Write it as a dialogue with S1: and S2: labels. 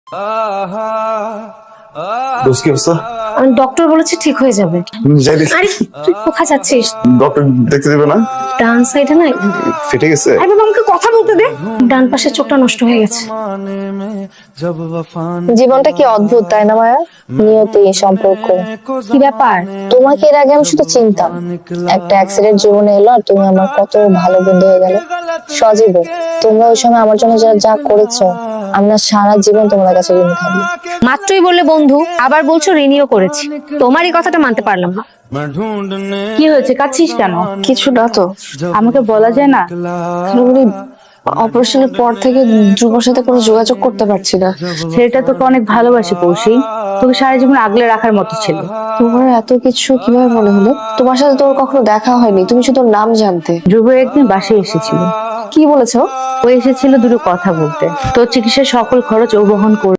S1: দোস্ত কি অবস্থা?
S2: ডক্টর বলেছে ঠিক হয়ে যাবে।
S1: যাই দেখি।
S2: আরে তুই কোথায় যাচ্ছিস?
S1: ডক্টর দেখতে দেবে না?
S2: ডান সাইডে না
S1: ফেটে গেছে?
S2: আরে বাবা আমাকে কথা বলতে দে। ডান পাশের চোখটা নষ্ট হয়ে গেছে।
S3: জীবনটা কি অদ্ভুত তাই না মায়া? নিয়তি, সম্পর্ক,
S2: কি ব্যাপার?
S3: তোমাকে এর আগে আমি শুধু চিনতাম, একটা অ্যাক্সিডেন্ট জীবনে এলো আর তুমি আমার কত ভালো বন্ধু হয়ে গেলে। সজীব, তোমরা ওই সময় আমার জন্য যা যা করেছো, আমরা সারা জীবন তোমাদের কাছে ঋণী থাকবো।
S2: মাত্রই বললে বন্ধু, আবার বলছো রিনিও করেছি। তোমারই কথাটা মানতে পারলাম না।
S4: কি হয়েছে, কাঁদছিস কেন?
S3: কিছু না তো,
S4: আমাকে বলা যায় না?
S3: অপারেশনের পর থেকে ধ্রুবর সাথে কোনো যোগাযোগ করতে পারছি না।
S4: ছেলেটা তোকে অনেক ভালোবাসে কৌশি, তোকে সারা জীবন আগলে রাখার মতো ছিল।
S3: তোমার এত কিছু কিভাবে মনে হলো? তোমার সাথে তোর কখনো দেখা হয়নি, তুমি শুধু ওর নাম জানতে।
S4: ধ্রুব একদিন বাসায় এসেছিল।
S3: কি বলেছো?
S4: ও এসেছিল দুটো কথা বলতে, তোর চিকিৎসার সকল খরচ ও বহন করবে।